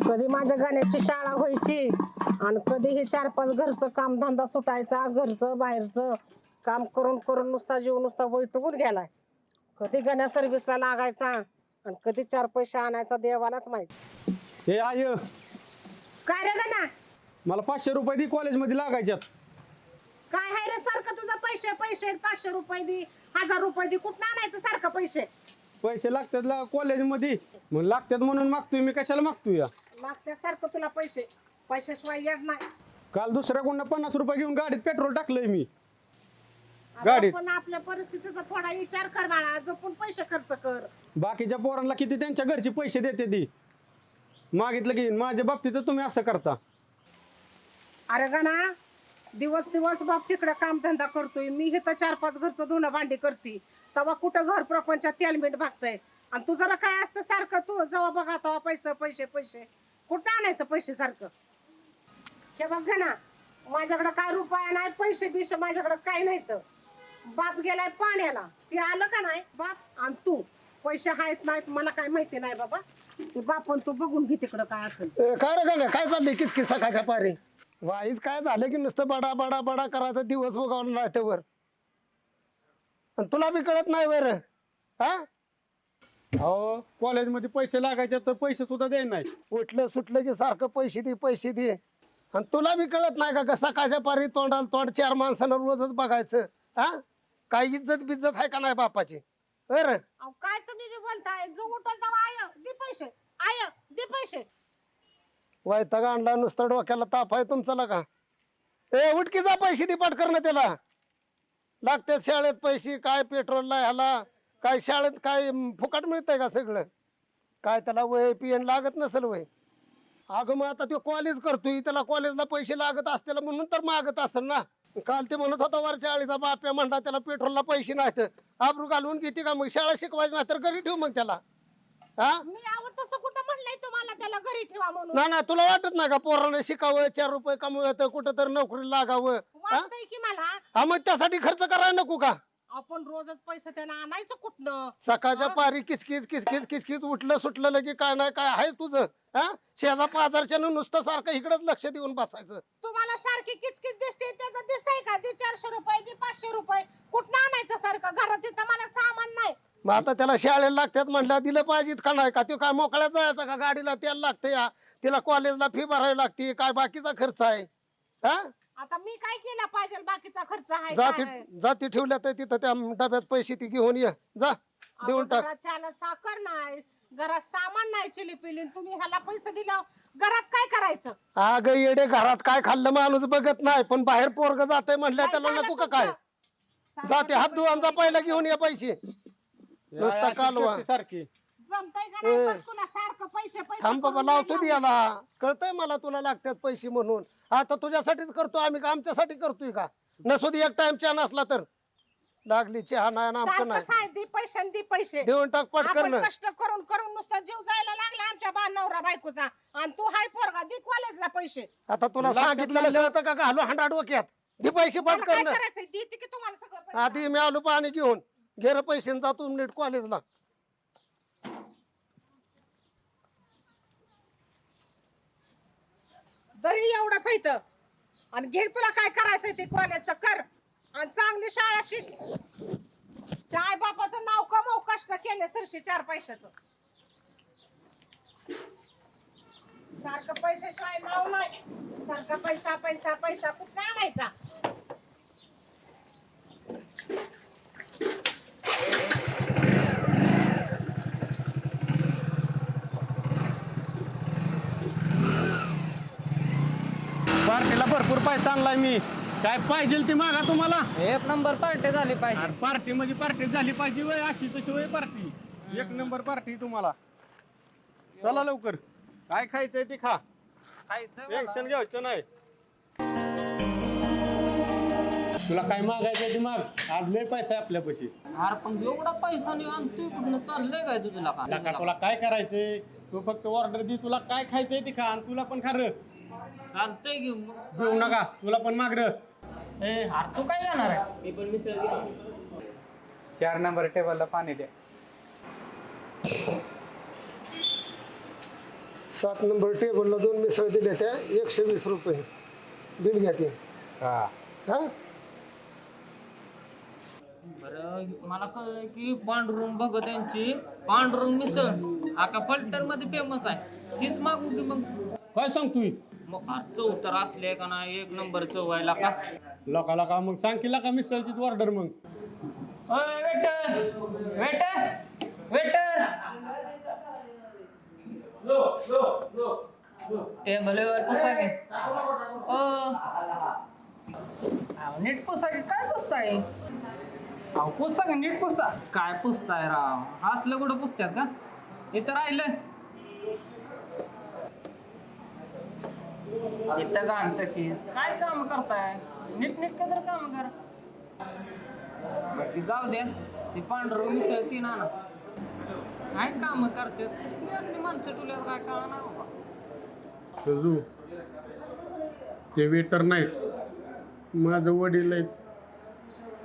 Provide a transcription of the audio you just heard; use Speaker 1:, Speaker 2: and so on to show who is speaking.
Speaker 1: कधी माझ्या गाण्याची शाळा व्हायची आणि कधी हे 4-5 घरचं कामधंदा सुटायचा, घरचं बाहेरचं काम करून करून नुसता जीव नुसता वैतगून गेलाय. कधी गाण्या सर्व्हिसला लागायचा आणि कधी 4 पैसे आणायचा देवालाच माहिती.
Speaker 2: हे आय
Speaker 1: काय रे गाणा,
Speaker 2: मला 500 रुपये दे कॉलेजमध्ये लागायच्यात.
Speaker 1: काय आहे रे सारखं तुझं पैसे पैसे 500 रुपये दे, 1000 रुपये दे, कुठं आणायचं सारखं पैसे?
Speaker 2: पैसे लागतात कॉलेजमध्ये, मग लागतात म्हणून मागतोय मी. कशाला मागतोय या?
Speaker 1: लागत्यासारखं तुला पैसे, पैशाशिवाय येत नाही.
Speaker 2: काल दुसऱ्या कोणा 50 रुपये घेऊन गाडीत पेट्रोल टाकलंय मी.
Speaker 1: अरे
Speaker 2: गाडीत.
Speaker 1: पण आपल्या परिस्थितीचा थोडा विचार कर बाळा, जपून पैसे खर्च कर.
Speaker 2: बाकीच्या पोरांना किती त्यांच्या घरचे पैसे देते ती, मागितलं की. माझ्या बाबतीत तुम्ही असं करता.
Speaker 1: अरे गाणा, दिवस दिवस बाप तिकडे कामधंदा करतोय, मी इथं 4-5 घरचं धुणं भांडी करते, तेव्हा कुठं घर प्रपंचात तेलमीठ भागतंय. आणि तू जरा काय असतं सारखं, तू जेव्हा बघा तेव्हा पैसे पैसे पैसे, कुठं आणायचं पैसे सारखं? हे बघ ना, माझ्याकडे काय रुपया नाही, पैसे बिशे माझ्याकडे काय नाही. तर बाप गेलाय पाण्याला, ते आलं का नाही बाप? आणि तू पैसे आहेत नाहीत मला काय माहिती नाही बाबा, ते बापन तू बघून घे तिकडं काय असेल.
Speaker 3: काय रे गाण्या, काय चाललंय किचकिच सकाळच्या पारी? वाईच काय झालं की नुसतं बडा बडा बडा करायचं, दिवस उगवला नाही त्यावर. आणि तुला बी कळत नाही वर हा?
Speaker 2: अहो कॉलेजमध्ये पैसे लागायचे तर पैसे सुद्धा द्याय नाही.
Speaker 3: उठलं सुटलं की सारखं पैसे दे पैसे दे. आणि तुला बी कळत नाही का सकाळच्या पारी तोंडाला तोंड 4 माणसांना रोजच बघायचं हा? काय इज्जत बिज्जत आहे का नाही बापाची? बरं
Speaker 1: अहो काय तुम्ही बी बोलताय, जो उठल तेव्हा आय दे पैसे, आय दे पैसे.
Speaker 3: वैताग आणला नुसतं, डोक्याला ताप आहे तुमचा का? ए उठकीचा पैसे दे पटकन त्याला. लागतात शाळेत पैसे, काय पेट्रोलला ह्याला काय, शाळेत काय फुकट मिळतंय का सगळं? काय त्याला वय पियन लागत नसेल वय? अगं मग आता तो कॉलेज करतोय, त्याला कॉलेजला पैसे लागत असतील म्हणून तर मागत असेल ना. काल ते म्हणत होता वरच्या आळीचा बाप्या म्हणला त्याला पेट्रोलला पैसे नाहीत, आबरू घालून घेते का मग? शाळा शिकवायची नाही तर घरी ठेवू मग त्याला. हा
Speaker 1: मी आवत तसं कुठं म्हणलंय तुम्हाला त्याला घरी ठेवा म्हणून?
Speaker 3: ना ना, तुला वाटत नाही का पोरांना शिकावं, 4 रुपये कमवायचं, कुठं तर नोकरी लागावं?
Speaker 1: वाटतंय की मला.
Speaker 3: हा मग त्यासाठी खर्च करायला नको का?
Speaker 1: आपण रोजच पैसे त्याला आणायचं कुठनं?
Speaker 3: सकाळच्या पारी किचकिच किचकिच किचकिच, उठलं सुटलं लगे काय नाही काय आहे तुझं हा? शेजा पाजारच्या नुसतं सारखं इकडेच लक्ष देऊन बसायचं.
Speaker 1: तुम्हाला सारखी किचकिच दिसते, त्याचं दिसतंय का? दे 400 रुपये, दे 500 रुपये, कुठनं आणायचं सारखं? घरात तिथं मला सामान नाही.
Speaker 3: मग आता त्याला शाळेला लागतात म्हणलं दिलं पाहिजेत का नाही का? ते काय मोकळ्यात जायचं का? गाडीला तेल लागतं या, तिला कॉलेजला फी भरावी लागते, काय बाकीचा खर्च आहे हा?
Speaker 1: आता मी काय केला पाहिजे? बाकीचा खर्च आहे
Speaker 3: जाती
Speaker 1: काय?
Speaker 3: जाती ठेवल्या तर तिथं त्या डब्यात पैसे ती घेऊन ये जा, देऊन टाक.
Speaker 1: घरात चहाला साखर नाही, घरात सामान नाही, चिली पिली, तुम्ही ह्याला पैसे दिला, घरात काय करायचं?
Speaker 3: अगं येडे, घरात काय खाल्लं माणूस बघत नाही, पण बाहेर पोरग जाते म्हणलं त्याला नको का काय? जाते हात धुवांचा पहिला घेऊन ये पैसे. नुसता कालवा
Speaker 2: सारखी
Speaker 1: जमतंय का नाही पण तुला सारखं पैसे पैसे
Speaker 3: थांब बाबा,
Speaker 1: करून
Speaker 3: लावतो
Speaker 1: द्यायला?
Speaker 3: याला कळतंय मला तुला लागतात पैसे म्हणून. आता तुझ्यासाठीच करतो आम्ही का आमच्यासाठी करतोय का? नसू दे एक टाइम चहा नसला तर. लागली चहा नाही ना आमचं
Speaker 1: सारखं
Speaker 3: नाही,
Speaker 1: साय, दे पैसे आणि दे पैसे.
Speaker 3: देऊन टाक पटकन.
Speaker 1: आपण कष्ट करून करून नुसता जीव जायला लागला आमच्या नवरा बायकोचा, आणि तू हाय पोरगा, दे कॉलेजला पैसे.
Speaker 3: आता तुला सांगितलेलं कळतं का? घालू हांडा डोक्यात, दे पैसे
Speaker 1: मला काय
Speaker 3: पटकन.
Speaker 1: करायचंय? देते की तुम्हाला सगळं पैसे.
Speaker 3: आधी मी आलो पाणी घेऊन, घे रे पैसे आणि जातो नीट कॉलेजला.
Speaker 1: तरी एवढंच आहे इथं. आणि घे, तुला काय करायचंय ते कॉलेजचं कर, आणि चांगली शाळा शिक. त्या आई बापाचं नाव कमव, कष्ट केले सरशी 4 पैशाचं. सारखं पैशाशिवाय नाव नाही, सारखा पैसा पैसा पैसा कुठं आणायचा?
Speaker 2: पार्टीला भरपूर पैसा आणलाय मी. काय पाहिजे ती मागा तुम्हाला.
Speaker 4: 1 नंबर पार्टी झाली पाहिजे.
Speaker 2: पार्टी म्हणजे पार्टी झाली पाहिजे वय, अशी तशी वय पार्टी. 1 नंबर पार्टी तुम्हाला. चला लवकर, काय खायचंय ते खा, टेन्शन घ्यायचं नाही. तुला काय मागायचं ते माग, आज लय पैसा आहे आपल्यापाशी.
Speaker 4: अरे पण एवढा पैसा नाही आणि तू कुठनं चाललंय काय तुझ्या
Speaker 2: का तुला काय करायचंय? तू फक्त ऑर्डर दे, तुला काय खायचंय ते खा, आणि तुला पण खा र.
Speaker 4: चालतंय घेऊ मग.
Speaker 2: घेऊ नका, तुला पण माग र.
Speaker 4: अरे तू काय जाणार आहे? मी पण मिसळ घे.
Speaker 5: 4 नंबर टेबलला पाणी द्या.
Speaker 3: 7 नंबर टेबलला 2 मिसळ दिले त्या 120 रुपये बिल घ्या ते.
Speaker 5: हा
Speaker 3: हा
Speaker 4: बरं मला कळलं की पांडुरंग भगत यांची पांडुरंग मिसळ आका पलटण मध्ये फेमस आहे तीच मागू की मग.
Speaker 2: काय सांगतोय
Speaker 4: मग चव तर असले का ना एक नंबर चव व्हायला का.
Speaker 2: लका मग सांग की लका मिसळचीच ऑर्डर मग.
Speaker 4: वेटर वेटर वेटर टेबलवर पुसा घे. नीट पुसा घे. काय पुसताय अहो पुसा का नीट पुसा. काय पुसताय राव असलं कुठं पुसतात का. इथं राहिलं इथं गाण तशी काय काम करताय. नीट नीट तर काम करा. बरं ती जाऊ द्या. ती पांढरं मिसळ ती ना काय काम करतात कसली असली माणसं टुल्यात काय कळणार बाबा.
Speaker 2: सजू ते वेटर नाहीत माझं वडील आहेत